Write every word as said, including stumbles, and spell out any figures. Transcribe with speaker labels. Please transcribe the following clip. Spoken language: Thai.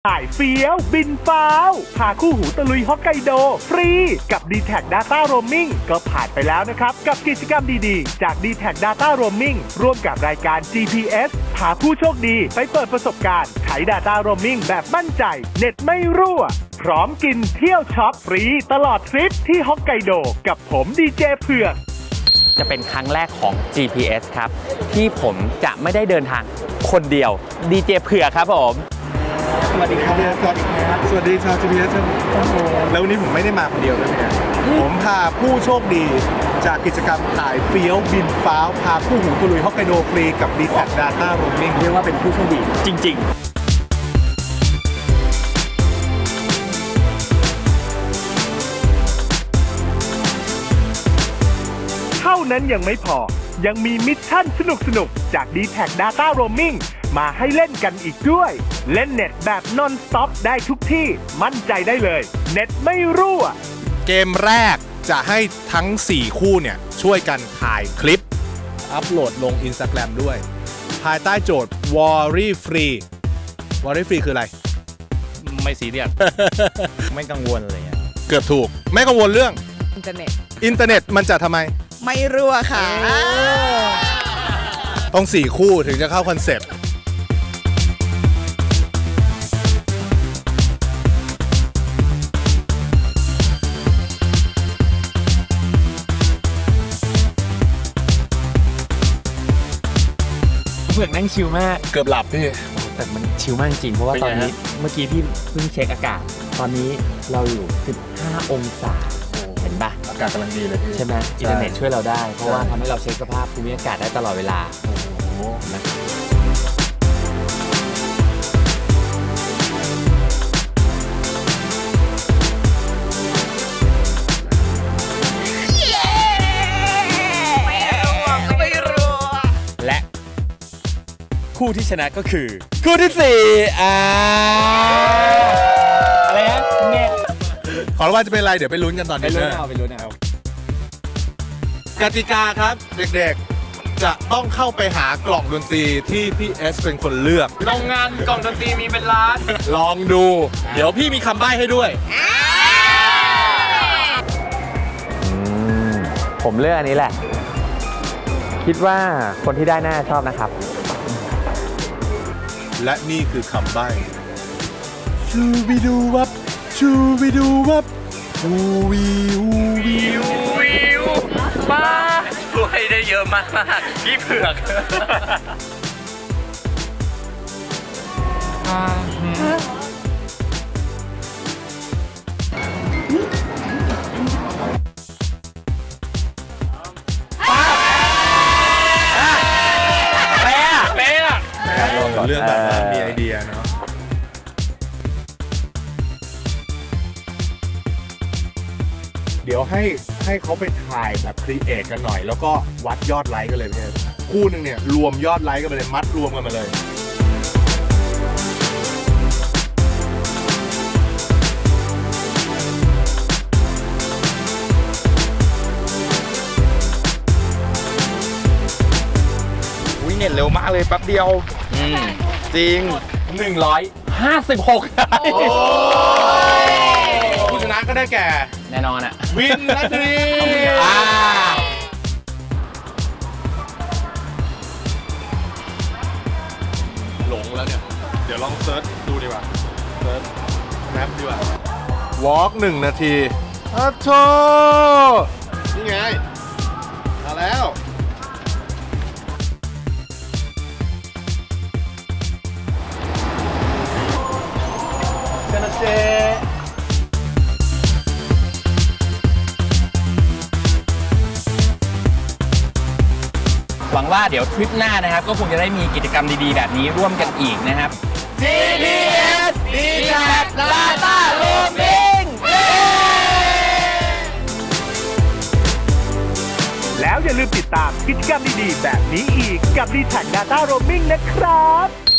Speaker 1: ถ่ายเฟี้ยวบินฟ้าวพาคู่หูตะลุยฮอกไกโดฟรีกับ ดี แท็ก Data Roaming ก็ผ่านไปแล้วนะครับกับกิจกรรมดีๆจาก ดี แท็ก Data Roaming ร่วมกับรายการ จี พี เอส พาผู้โชคดีไปเปิดประสบการณ์ใช้ Data Roaming แบบมั่นใจเน็ตไม่รั่วพร้อมกินเที่ยวช็อปฟรีตลอดทริปที่ฮอกไกโดกับผมดีเจเผือก
Speaker 2: จะเป็นครั้งแรกของ จี พี เอส ครับที่ผมจะไม่ได้เดินทางคนเดียวดีเจเผือกครับผม
Speaker 3: สวัสดีครับสวัสดีครับสวัสดีชาว จี พี เอส แล้ววันนี้ผมไม่ได้มาคนเดียวด้วยนะผมพาผู้โชคดีจากกิจกรรมถ่ายเฟี้ยวบินฟ้าวพาคู่หูตะลุยฮอกไกโดฟรีกับ ดี แท็ก Data Roaming
Speaker 2: เรียกว่าเป็นผู้โชคดีจริง
Speaker 1: ๆเท่านั้นยังไม่พอยังมีมิชชั่นสนุกๆจาก ดี แท็ก Data Roaming มาให้เล่นกันอีกด้วยเล่นเน็ตแบบนอนสต็อปได้ทุกที่มั่นใจได้เลยเน็ตไม่รั่ว
Speaker 3: เกมแรกจะให้ทั้งสี่คู่เนี่ยช่วยกันถ่ายคลิปอัพโหลดลง Instagram ด้วยภายใต้โจทย์ Worry Free Worry Free คืออะไร
Speaker 2: ไม่ซีเรียส ไม่กังวลอะไรเงี้ย
Speaker 3: เกือบถูกไม่กังวลเรื่อง
Speaker 4: อินเทอร์เน็ต
Speaker 3: อินเทอร์เน็ตมันจะทำไม
Speaker 4: ไม่รั่วค่ะ
Speaker 3: ต้องสี่คู่ถึงจะเข้าคอนเซ็ปต์
Speaker 2: เผือกนั่งชิลมาก
Speaker 3: เกือบหลับพี่
Speaker 2: แต่มันชิลมากจริงเพราะว่าตอนนี้เมื่อกี้พี่เพิ่งเช็คอากาศตอนนี้เราอยู่สิบห้าองศาเห็นปะ
Speaker 3: อากาศกำลังดีเลย
Speaker 2: ใช่ไหมอินเทอร์เน็ตช่วยเราได้เพราะว่าทำให้เราเช็คสภาพภูมิอากาศได้ตลอดเวลาโอ้โหนะและคู่ที่ชนะก็คือคู่ที่สี่อ่าอะไรนะเน็ต
Speaker 3: ขอรู้ว่าจะเป็นอะไรเดี๋ยวไปลุ้นกันตอนนี้
Speaker 2: ไปลุ้นเอาไปลุ้นเอา
Speaker 3: กติกาครับเด็กๆจะต้องเข้าไปหากล่องดนตรีที่พี่เอสเป็นคนเลือก
Speaker 2: โรงงานกล่องดนตรีมีเป็นล้าน
Speaker 3: ลองดูเดี๋ยวพี่มีคำใบ้ให้ด้วย
Speaker 2: ผมเลือกอันนี้แหละคิดว่าคนที่ได้น่าชอบนะครับ
Speaker 3: และนี่คือคำใบ้ชูบิดูวับชูบิดูวับฮูวีฮูวี
Speaker 2: ฮูวีมาช่วยได้เยอะมากมากพี่เผือก
Speaker 3: เรื่องแบบมีไอเดียเนาะเดี๋ยวให้ให้เขาไปถ่ายแบบครีเอทกันหน่อยแล้วก็วัดยอดไลค์กันเลยพี่คู่หนึ่งเนี่ยรวมยอดไลค์กันไปเลยมัดรวมกันมาเลย
Speaker 2: วิ่งเน็ตเร็วมากเลยแป๊บเดียวจริงหนึ่งร้อยห้าสิบหก
Speaker 3: ผู้ชนะก็ได้แก่
Speaker 2: แน่นอนอะ
Speaker 3: วินนัทรีหลงแล้วเนี่ยเดี๋ยวลองเซิร์ชดูดีกว่าเซิร์ชแมปดีกว่าวอล์กหนึ่งนาทีอ้าวโธ่นี่ไงมาแล้ว
Speaker 2: หวังว่าเดี๋ยวทริปหน้านะครับก็คงจะได้มีกิจกรรมดีๆแบบนี้ร่วมกันอีกนะครับ จี พี เอส ดี แท็ก Data Roaming
Speaker 1: แล้วอย่าลืมติดตามกิจกรรมดีๆแบบนี้อีกกับ ดี แท็ก Data Roaming นะครับ